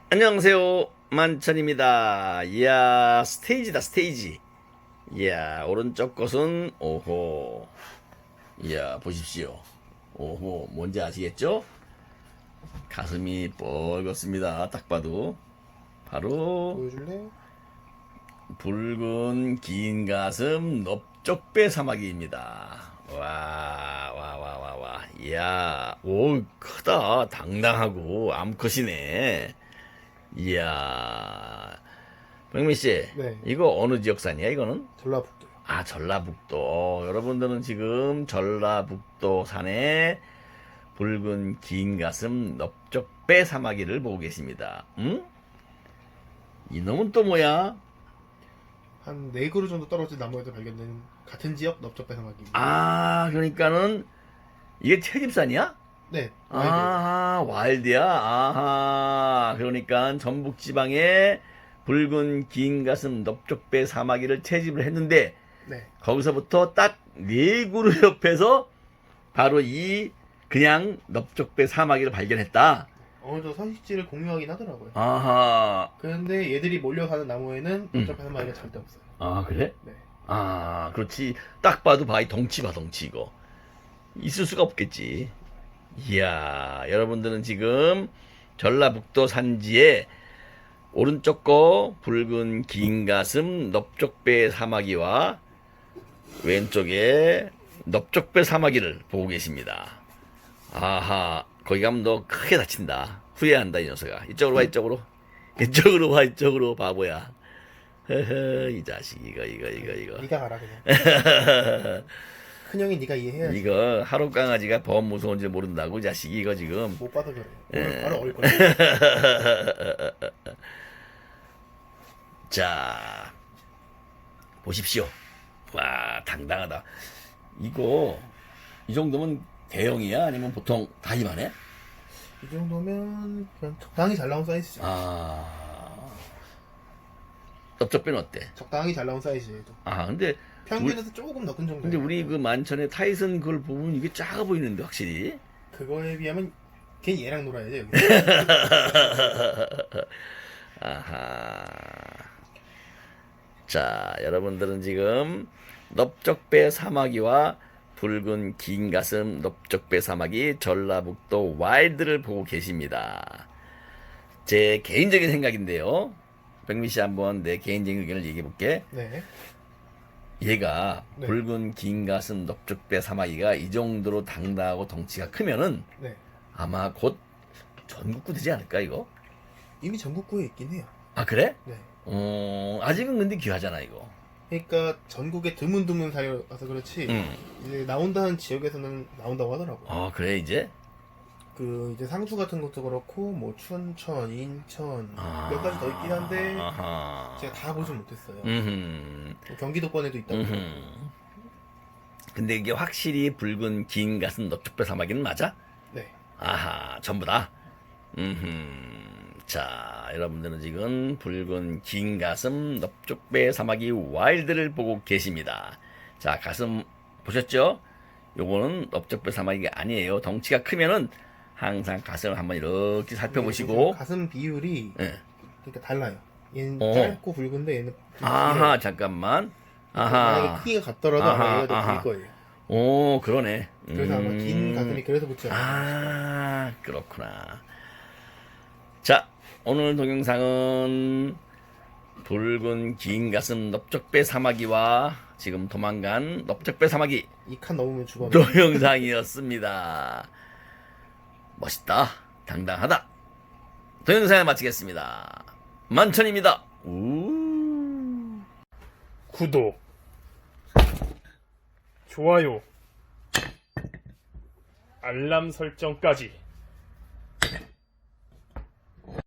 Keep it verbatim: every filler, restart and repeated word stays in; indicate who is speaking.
Speaker 1: 안녕하세요, 만천입니다. 이야, 스테이지다, 스테이지. 이야, 오른쪽 것은 오호. 이야, 보십시오. 오호, 뭔지 아시겠죠? 가슴이 뻘겋습니다. 딱 봐도 바로
Speaker 2: 보여줄래?
Speaker 1: 붉은 긴 가슴 넓적배 사마귀입니다. 와, 와, 와, 와, 와. 이야, 오, 크다. 당당하고 암컷이네. 이야, 백민 씨,
Speaker 2: 네.
Speaker 1: 이거 어느 지역산이야, 이거는?
Speaker 2: 전라북도요.
Speaker 1: 아, 전라북도. 여러분들은 지금 전라북도 산에 붉은 긴 가슴 넓적배 사마귀를 보고 계십니다. 응? 이놈은 또 뭐야?
Speaker 2: 한 네 그루 정도 떨어진 나무에서 발견된 같은 지역 넓적배사마귀입니다.
Speaker 1: 아, 그러니까는 이게 채집산이야?
Speaker 2: 네. 와일드.
Speaker 1: 아, 와일드야. 아하. 그러니까 전북 지방에 붉은 긴 가슴 넓적배 사마귀를 채집을 했는데
Speaker 2: 네.
Speaker 1: 거기서부터 딱 네 그루 옆에서 바로 이 그냥 넓적배 사마귀를 발견했다.
Speaker 2: 어느 정도 서식지를 공유하긴 하더라고요.
Speaker 1: 아하.
Speaker 2: 그런데 얘들이 몰려 사는 나무에는
Speaker 1: 음.
Speaker 2: 넓적배사마귀가 절대 없어요.
Speaker 1: 아, 그래?
Speaker 2: 네.
Speaker 1: 아, 그렇지. 딱 봐도 봐, 이 덩치 봐, 덩치 이거. 있을 수가 없겠지. 이야, 여러분들은 지금 전라북도 산지에 오른쪽 거 붉은 긴 가슴 넓적배 사마귀와 왼쪽에 넓적배 사마귀를 보고 계십니다. 아하, 거기 가면 너 크게 다친다. 후회한다, 이 녀석아. 이쪽으로 와, 이쪽으로. 이쪽으로 와, 이쪽으로, 바보야. 허허, 이 자식, 이거, 이거, 이거, 이거.
Speaker 2: 네가 가라 그냥. 큰형이 네가 이해해야지.
Speaker 1: 이거 하루 강아지가 범 무서운지 모른다고, 이 자식이 이거 지금.
Speaker 2: 못 봐서 그래.
Speaker 1: 예.
Speaker 2: 오늘 바로 얼 거야.
Speaker 1: 자, 보십시오. 와, 당당하다. 이거, 이 정도면 대형이야? 아니면 보통 다 이만해?
Speaker 2: 이 정도면 그냥 적당히 잘 나온 사이즈죠.
Speaker 1: 아, 넓적배는 어때?
Speaker 2: 적당히 잘 나온 사이즈예요.
Speaker 1: 아, 근데,
Speaker 2: 평균에서 조금 더 큰 정도.
Speaker 1: 근데 우리 그 만천의 타이슨 그걸 보면 이게 작아 보이는데, 확실히.
Speaker 2: 그거에 비하면 걔 얘랑 놀아야죠 여기.
Speaker 1: 아하. 자, 여러분들은 지금 넓적배 사마귀와 붉은 긴 가슴 넓적배 사마귀 전라북도 와일드를 보고 계십니다. 제 개인적인 생각인데요. 백미 씨 한번 내 개인적인 의견을 얘기해 볼게.
Speaker 2: 네.
Speaker 1: 얘가
Speaker 2: 네.
Speaker 1: 붉은 긴 가슴 넓적배 사마귀가 이 정도로 당당하고 덩치가 크면은
Speaker 2: 네.
Speaker 1: 아마 곧 전국구 되지 않을까 이거?
Speaker 2: 이미 전국구에 있긴 해요.
Speaker 1: 아 그래?
Speaker 2: 네.
Speaker 1: 어 아직은 근데 귀하잖아 이거.
Speaker 2: 그러니까 전국에 드문드문 살아서 그렇지
Speaker 1: 음.
Speaker 2: 이제 나온다는 지역에서는 나온다고 하더라고요.
Speaker 1: 아 그래 이제?
Speaker 2: 그 이제 상주 같은 것도 그렇고 뭐 춘천, 인천
Speaker 1: 아.
Speaker 2: 몇 가지 더 있긴 한데
Speaker 1: 아하.
Speaker 2: 제가 다 보진 못했어요.
Speaker 1: 음흠.
Speaker 2: 뭐 경기도권에도 있다고.
Speaker 1: 음흠. 근데 이게 확실히 붉은 긴 가슴 넓적배 사마귀는 맞아?
Speaker 2: 네.
Speaker 1: 아하 전부 다. 음흠. 자, 여러분들은 지금 붉은 긴 가슴 넓적배 사마귀 와일드를 보고 계십니다. 자, 가슴 보셨죠? 요거는 넓적배 사마귀가 아니에요. 덩치가 크면은 항상 가슴을 한번 이렇게 살펴보시고.
Speaker 2: 가슴 비율이
Speaker 1: 예.
Speaker 2: 그러니까 달라요. 얘는
Speaker 1: 어.
Speaker 2: 짧고 굵은데 얘는 좀
Speaker 1: 아하,
Speaker 2: 길어요.
Speaker 1: 잠깐만.
Speaker 2: 만약에
Speaker 1: 아하.
Speaker 2: 크기가 같더라도
Speaker 1: 아하,
Speaker 2: 아마 얘가
Speaker 1: 아하.
Speaker 2: 더 길 거예요.
Speaker 1: 오, 그러네.
Speaker 2: 그래서 아마 긴
Speaker 1: 음.
Speaker 2: 가슴이 그래서 붙지 않아요.
Speaker 1: 아, 그렇구나. 자, 오늘 동영상은 붉은 긴 가슴 넓적배 사마귀와 지금 도망간 넓적배 사마귀
Speaker 2: 이 칸 넘으면 죽어.
Speaker 1: 동영상이었습니다. 멋있다. 당당하다. 동영상을 마치겠습니다. 만천입니다. 우.
Speaker 3: 구독, 좋아요, 알람 설정까지